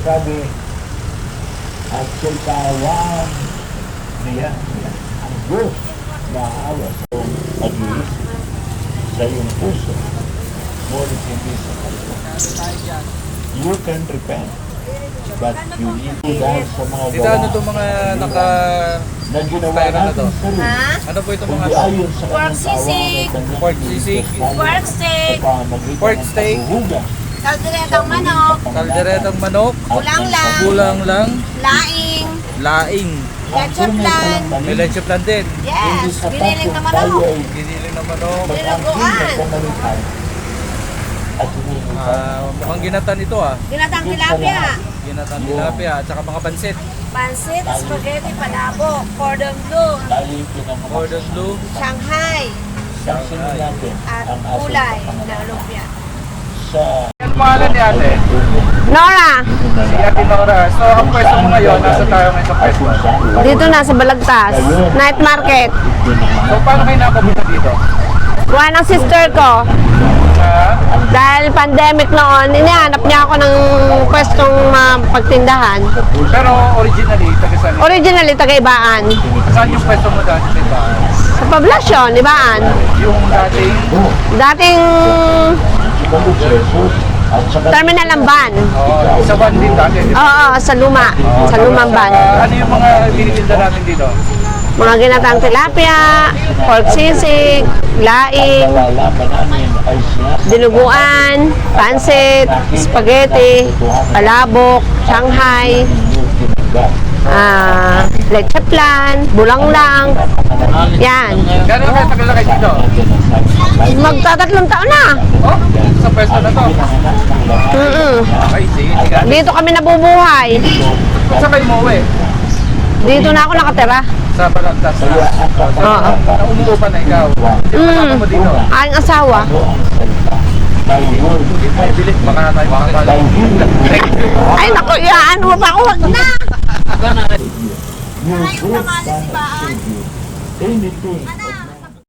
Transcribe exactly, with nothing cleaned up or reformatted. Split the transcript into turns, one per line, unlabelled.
sabi, at siya'y kaawaan niya, ang Diyos maawa sa iyong pag-iisip, sa iyong puso, ngunit hindi sa kaluluwa. You can repent, but you need to dahil sa mga
Dito ano itong mga naka...
na ginawa
Tayo na
natin
to.
sarili.
Ha?
Ano po itong mga
Kundi
to?
ayon sa
Pork
kanyang
sisig.
kaawaan at
Pork
kanyang
sisig.
Diyos tayo
Pork steak.
sa pamamagitan
Pork
ng
steak.
paghuhugas
Kalderetang manok,
Kalderetang manok,
at
Kulang
ng
lang.
kulang lang,
laing,
laing,
leche plan.
may leche plan din,
Yes, giniling na manok.
giniling na manok,
Dinuguan.
At hinihintay.
ah, mukhang ginatan ito ah.
Ginatang tilapia.
Ginatan tilapia at saka mga pansit,
Pansit, spaghetti, palabok, cordon bleu,
Tayo pinanganak
cordon bleu,
Shanghai,
Saksinin natin
at
ang ating
gulay
kapangalan
na lumpia.
sa
ano pangalan ni ate?
Nora,
Si Ate Nora. So ang pwesto mo ngayon, nasa tayo ngayon sa pwesto.
dito na sa Balagtas, night market.
So paano kayo nakapunta dito?
Kuha ng sister ko.
Ah,
Dahil pandemic noon, inihanap niya ako ng pwestong uh, pagtindahan.
pero originally, taga saan?
Originally, taga-Ibaan.
Saan yung pwesto mo dati? Diba?
Sa poblasyon, Ibaan.
Yung dating,
Dating
Jesus at sa
terminal ng van.
oh, sa van din dati. Diba?
Oo, sa luma. Sa lumang van.
Ah, ano yung mga binibilda natin dito?
Mga ginatang tilapia, pork sisig, laing,
nalalaman namin ay siya
dinuguan, pansit, spaghetti, palabok, Shanghai, ah, leche plan, bulanglang. Yan.
Gano'n kayo tagal na kayo dito?
Magtatatlong taon na.
Oh, sa pwesto na to.
Mm-mm.
Okay, sige, sige.
Dito kami nabubuhay.
Kung saan kayo umuwi?
Dito na ako nakatira.
Sa Balagtas na. So,
Oo.
na umuupa na ikaw. Yung kasama mo dito.
Aking asawa.
Ay, bilis. Baka na tayo makakala. Thank you.
Ay, naku, iyaan mo pa ako. Wag na.
Your good Father save you. Anything